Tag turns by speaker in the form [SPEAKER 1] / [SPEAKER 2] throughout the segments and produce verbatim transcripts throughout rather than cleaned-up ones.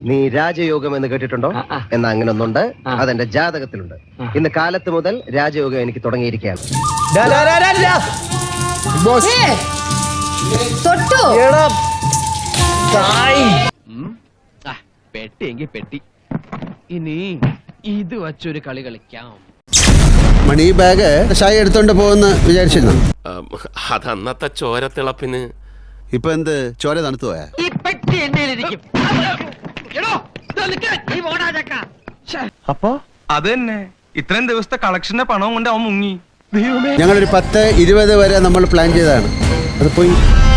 [SPEAKER 1] നീ രാജയോഗം എന്ന് കേട്ടിട്ടുണ്ടോ? എന്നാ അങ്ങനെ ഒന്നുണ്ട്, അതെന്റെ ജാതകത്തിലുണ്ട്. ഇന്ന് കാലത്ത് മുതൽ രാജയോഗം എനിക്ക് തുടങ്ങിയിരിക്കുകയാണ്.
[SPEAKER 2] പെട്ടിയെങ്കിൽ പെട്ടി, ഇനി ഇത് വച്ചൊരു കളി കളിക്കാം.
[SPEAKER 3] മണി ബാഗ് ഷായി എടുത്തോണ്ട് പോകുന്ന വിചാരിച്ചിരുന്നു.
[SPEAKER 4] അതന്നത്തെ ചോരത്തിളപ്പിന്.
[SPEAKER 3] ഇപ്പൊ എന്ത് ചോര തണുത്തു പോയാ?
[SPEAKER 5] അപ്പൊ അത് തന്നെ ഇത്രയും ദിവസത്തെ കളക്ഷന്റെ പണവും കൊണ്ട് അവൻ മുങ്ങി.
[SPEAKER 3] ഞങ്ങളൊരു പത്ത് ഇരുപത് വരെ നമ്മൾ പ്ലാൻ ചെയ്തതാണ്, അത് പോയി.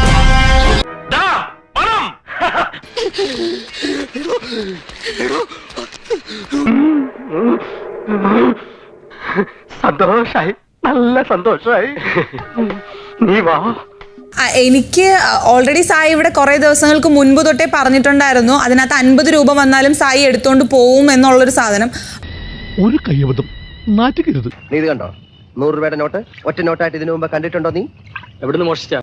[SPEAKER 5] സന്തോഷായി, നല്ല സന്തോഷായി. നീ വാ.
[SPEAKER 6] എനിക്ക് ഓൾറെഡി സായി ഇവിടെ കുറെ ദിവസങ്ങൾക്ക് മുൻപ് തൊട്ടേ പറഞ്ഞിട്ടുണ്ടായിരുന്നു, അതിനകത്ത് അൻപത് രൂപ വന്നാലും സായി എടുത്തോണ്ട് പോവും എന്നുള്ളൊരു സാധനം.
[SPEAKER 7] ഒരു കയ്യബദ്ധം നാറ്റുകരുത്.
[SPEAKER 1] നീ ഇത് കണ്ടോ? നൂറ് രൂപയുടെ നോട്ട് ഒറ്റ നോട്ടായിട്ട് ഇതിനു മുമ്പ് കണ്ടിട്ടുണ്ടോ? നീ
[SPEAKER 5] എവിടുന്ന് മോഷ്ടിച്ച?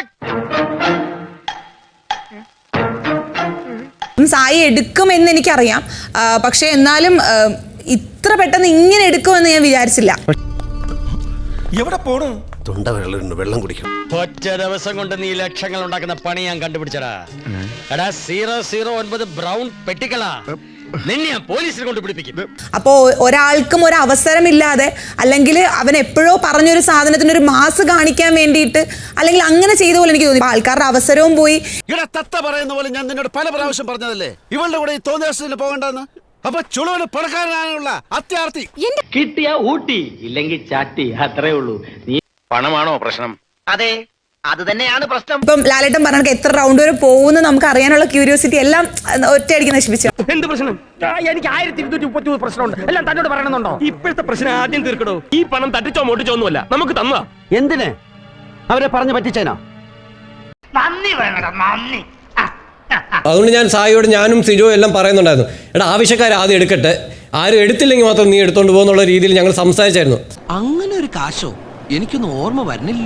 [SPEAKER 6] സായി എടുക്കുമെന്ന് എനിക്കറിയാം, പക്ഷെ എന്നാലും ഇത്ര പെട്ടെന്ന് ഇങ്ങനെ എടുക്കുമെന്ന് ഞാൻ വിചാരിച്ചില്ല.
[SPEAKER 7] എവിടെ പോണു?
[SPEAKER 3] തൊണ്ട വെള്ളം വെള്ളം കുടിക്കും.
[SPEAKER 8] ഒറ്റ ദിവസം കൊണ്ട് നീ ലക്ഷങ്ങൾ ഉണ്ടാക്കുന്ന പണി ഞാൻ കണ്ടുപിടിച്ചടാ. എടാ സീറോ സീറോ ഒൻപത് ബ്രൗൺ പെട്ടിക്കളാ, നിന്നെ ഞാൻ പോലീസിൽ കൊണ്ട് പിടിപ്പിക്കും.
[SPEAKER 6] അപ്പോ ഒരാൾക്കും ഒരു അവസരമില്ലാതെ, അല്ലെങ്കിൽ അവൻ എപ്പോഴോ പറഞ്ഞൊരു സാധനത്തിന് ഒരു മാസ് കാണിക്കാൻ വേണ്ടിയിട്ട്, അല്ലെങ്കിൽ അങ്ങനെ ചെയ്ത പോലെ എനിക്ക് തോന്നി. ആൾക്കാരുടെ അവസരവും പോയി.
[SPEAKER 3] ഇവിടെ തത്ത പറയുന്ന പോലെ ഞാൻ നിന്നോട് പല പ്രാവശ്യം പറഞ്ഞതല്ലേ ഇവളുടെ കൂടെ ഈ തോന്നിയ പോകണ്ടെന്ന്. അപ്പൊ ചുളുവിന് പണക്കാരനാണുള്ള അത്യാർത്ഥി.
[SPEAKER 2] കിട്ടിയ ഊട്ടി, ഇല്ലെങ്കിൽ ചാട്ടി, അത്രേ ഉള്ളൂ. നീ
[SPEAKER 8] പണമാണോ പ്രശ്നം?
[SPEAKER 2] അതെ, അത് തന്നെയാണ് പ്രശ്നം.
[SPEAKER 6] ഇപ്പം ലാലേട്ടൻ പറഞ്ഞ എത്ര റൗണ്ട് വരെ പോകുന്നു നമുക്ക് അറിയാനുള്ള ക്യൂരിയോസിറ്റി എല്ലാം ഒറ്റയടിക്ക് നശിപ്പിച്ചു.
[SPEAKER 5] എന്ത് പ്രശ്നം? എനിക്ക് ആയിരത്തി ഇരുന്നൂറ്റി മുപ്പത്തി മൂന്ന് പ്രശ്നമുണ്ട്, എല്ലാം തന്നോട് പറയണമെന്നുണ്ടോ? ഇപ്പോഴത്തെ പ്രശ്നം ആദ്യം തീർക്കടോ.
[SPEAKER 4] ഈ പണം തട്ടിച്ചോ മോട്ടിച്ചോ ഒന്നുമല്ല, നമുക്ക് തന്നതാ.
[SPEAKER 8] എന്തിന് അവരെ പറഞ്ഞു പറ്റിച്ചേനോ?
[SPEAKER 2] നന്ദി വേണം, നന്ദി.
[SPEAKER 9] അതുകൊണ്ട് ഞാൻ സായിയോട് ഞാനും സിജോ എല്ലാം പറയുന്നുണ്ടായിരുന്നു, എടാ ആവശ്യക്കാർ ആദ്യം എടുക്കട്ടെ, ആരും എടുത്തില്ലെങ്കിൽ മാത്രം നീ എടുത്തോണ്ട് പോകുന്നുള്ള രീതിയിൽ ഞങ്ങൾ സംസാരിച്ചായിരുന്നു.
[SPEAKER 2] അങ്ങനെ ഒരു കാശോ എനിക്കൊന്നും ഓർമ്മ വരുന്നില്ല.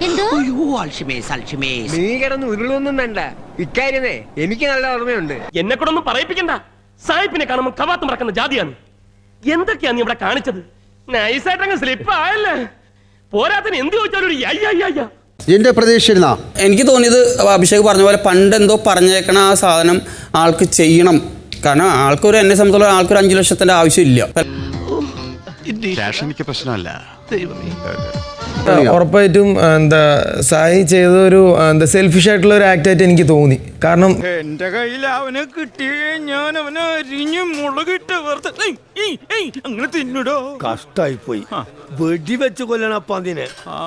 [SPEAKER 5] നീ കിടന്ന് ഉരുളൊന്നും വേണ്ട, ഇക്കാര്യമേ എനിക്ക് നല്ല ഓർമ്മയുണ്ട്.
[SPEAKER 4] എന്നെ കൂടെ ഒന്നും പറയിപ്പിക്കണ്ട. സായിപ്പിനെ കാണുമ്പോൾ കവാത്ത് മറക്കുന്ന ജാതിയാണ്. എന്തൊക്കെയാ നീ ഇവിടെ കാണിച്ചത്? നൈസായിട്ടങ്ങ് സ്ലിപ്പ് ആയല്ലേ. പോരാത്തിന് എന്ത് ചോദിച്ചാലും ഒരു അയ്യ.
[SPEAKER 3] എന്റെ പ്രതീക്ഷിച്ചിരുന്നാ?
[SPEAKER 10] എനിക്ക് തോന്നിയത് അഭിഷേക് പറഞ്ഞ പോലെ പണ്ട് എന്തോ പറഞ്ഞേക്കണ ആ സാധനം ആൾക്ക് ചെയ്യണം. കാരണം ആൾക്കൊരു എന്നെ സംബന്ധിച്ചുള്ള ആൾക്കൊരു അഞ്ചു ലക്ഷത്തിന്റെ ആവശ്യമില്ല.
[SPEAKER 3] എനിക്ക് പ്രശ്നമല്ല.
[SPEAKER 11] ഉറപ്പായിട്ടും എന്താ സായി ചെയ്തൊരു എന്താ സെൽഫിഷ് ആയിട്ടുള്ള ഒരു ആക്ട് ആയിട്ട് എനിക്ക് തോന്നി. കാരണം
[SPEAKER 5] എന്റെ കയ്യിൽ അവനെ കിട്ടിയേ ഞാൻ അവനെ അരിഞ്ഞ് മുളകിട്ട് അങ്ങനെ തിന്നിടോ.
[SPEAKER 7] കഷ്ടായി പോയി, വെടി വെച്ച് കൊല്ലണപ്പ അതിനെ.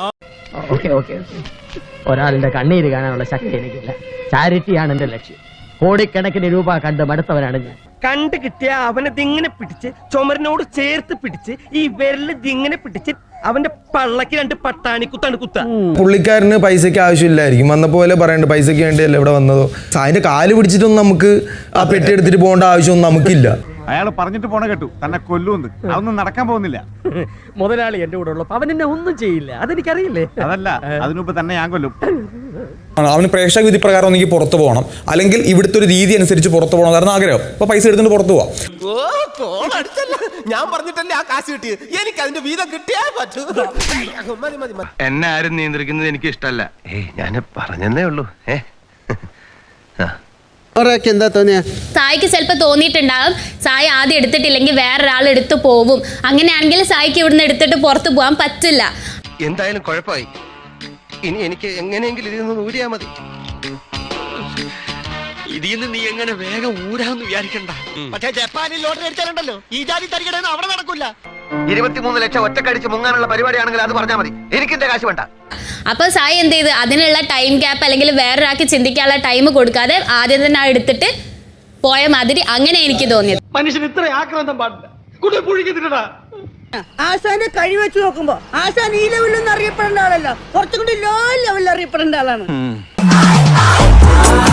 [SPEAKER 2] ഒരാളുടെ കണ്ണീര് കാണാനുള്ള ശക്തി എനിക്കില്ല. ചാരിറ്റിയാണ് എന്റെ ലക്ഷ്യം. കോടിക്കണക്കിന് രൂപ കണ്ട് മടുത്തവനാണ് ഞാൻ.
[SPEAKER 5] കണ്ട് കിട്ടിയ അവനെ ദിങ്ങനെ പിടിച്ച് ചുമരിനോട് ചേർത്ത് പിടിച്ച് ഈ വിരല് ദിങ്ങനെ പിടിച്ച് അവന്റെ പള്ളക്ക് രണ്ട് പട്ടാണി കുത്താണ് കുത്ത.
[SPEAKER 11] പുള്ളിക്കാരന് പൈസക്ക് ആവശ്യമില്ലായിരിക്കും, വന്ന പോലെ പറയണ്ട പൈസക്ക് വേണ്ടിയല്ല ഇവിടെ വന്നതോ. സായിന്റെ കാല് പിടിച്ചിട്ടൊന്നും നമുക്ക് ആ പെട്ടി എടുത്തിട്ട് പോകേണ്ട ആവശ്യമൊന്നും നമുക്കില്ല.
[SPEAKER 7] അയാൾ പറഞ്ഞിട്ട് പോണ കേട്ടു തന്നെ കൊല്ലുമെന്ന്. അതൊന്നും നടക്കാൻ പോകുന്നില്ല.
[SPEAKER 5] മുതലാളി എന്റെ കൂടെ ഉള്ളപ്പോ അവൻ എന്നെ ഒന്നും ചെയ്യില്ല, അതെനിക്കറിയില്ലേ.
[SPEAKER 7] അതല്ല, അതിനുമ്പ് തന്നെ ഞാൻ കൊല്ലും.
[SPEAKER 11] അവന് പ്രേക്ഷക വിധി പ്രകാരം ഒന്നെങ്കിൽ പുറത്തു പോകണം, അല്ലെങ്കിൽ ഇവിടുത്തെ ഒരു രീതി അനുസരിച്ച് പുറത്തു പോകണം കാരണം ആഗ്രഹം. അപ്പൊ പൈസ എടുത്തിട്ട് പുറത്തു പോവാം.
[SPEAKER 4] ഞാൻ പറഞ്ഞിട്ടല്ലേ ആ കാശ് കിട്ടിയത്. എനിക്ക് അതിന്റെ വീതം കിട്ടിയാ പറ്റൂ.
[SPEAKER 5] എന്നെ ആരും നിയന്ത്രിക്കുന്നത് എനിക്ക് ഇഷ്ടമല്ല.
[SPEAKER 1] ഏയ് ഞാൻ പറഞ്ഞതേ ഉള്ളൂ. ഏ
[SPEAKER 3] എന്താ തോന്നിയ?
[SPEAKER 12] സായിക്ക് ചിലപ്പോൾ തോന്നിയിട്ടുണ്ടാകും സായി ആദ്യം എടുത്തിട്ടില്ലെങ്കിൽ വേറൊരാൾ എടുത്തു പോവും. അങ്ങനെയാണെങ്കിൽ സായിക്ക് ഇവിടുന്ന് എടുത്തിട്ട് പുറത്തു പോകാൻ പറ്റില്ല.
[SPEAKER 1] എന്തായാലും കുഴപ്പമായി. ഇനി എനിക്ക് എങ്ങനെയെങ്കിലും ഇതിൽ നിന്ന് ഊരിയാ മതി.
[SPEAKER 8] ഇതിൽ നിന്ന് നീ എങ്ങനെ വേഗം ഊരാന്ന് വിചാരിക്കണ്ട. പക്ഷേ ജപ്പാനിൽ ലോട്ടറി അടിച്ചാലുണ്ടല്ലോ ഈ ജാതി തരികടന്ന് അവിടെ നടക്കൂല.
[SPEAKER 1] ഇരുപത്തിമൂന്ന് ലക്ഷം ഒറ്റക്കടിച്ച് മുങ്ങാനുള്ള പരിപാടിയാണെങ്കിൽ അത് പറഞ്ഞാൽ മതി, എനിക്കെന്റെ കാശ് വേണ്ട.
[SPEAKER 12] അപ്പോൾ സായി എന്ത് ചെയ്ത് അതിനുള്ള ടൈം ഗ്യാപ്പ് അല്ലെങ്കിൽ വേറൊരാൾക്ക് ചിന്തിക്കാനുള്ള ടൈം കൊടുക്കാതെ ആദ്യം തന്നെ എടുത്തിട്ട് പോയ മാതിരി അങ്ങനെ എനിക്ക് തോന്നിയത്.
[SPEAKER 5] മനുഷ്യൻ ഇത്ര ആക്രാന്തം പാടില്ല. കൂടുതൽ പുഴിക്കുന്നില്ലടാ.
[SPEAKER 13] ആശാന്റെ കഴി വെച്ച് നോക്കുമ്പോ ആശാൻ ഈ ലെവലിലൊന്നും അറിയപ്പെടേണ്ട ആളല്ല, കുറച്ചും കൂടി ലോ ലെവലിൽ അറിയപ്പെടേണ്ട ആളാണ്.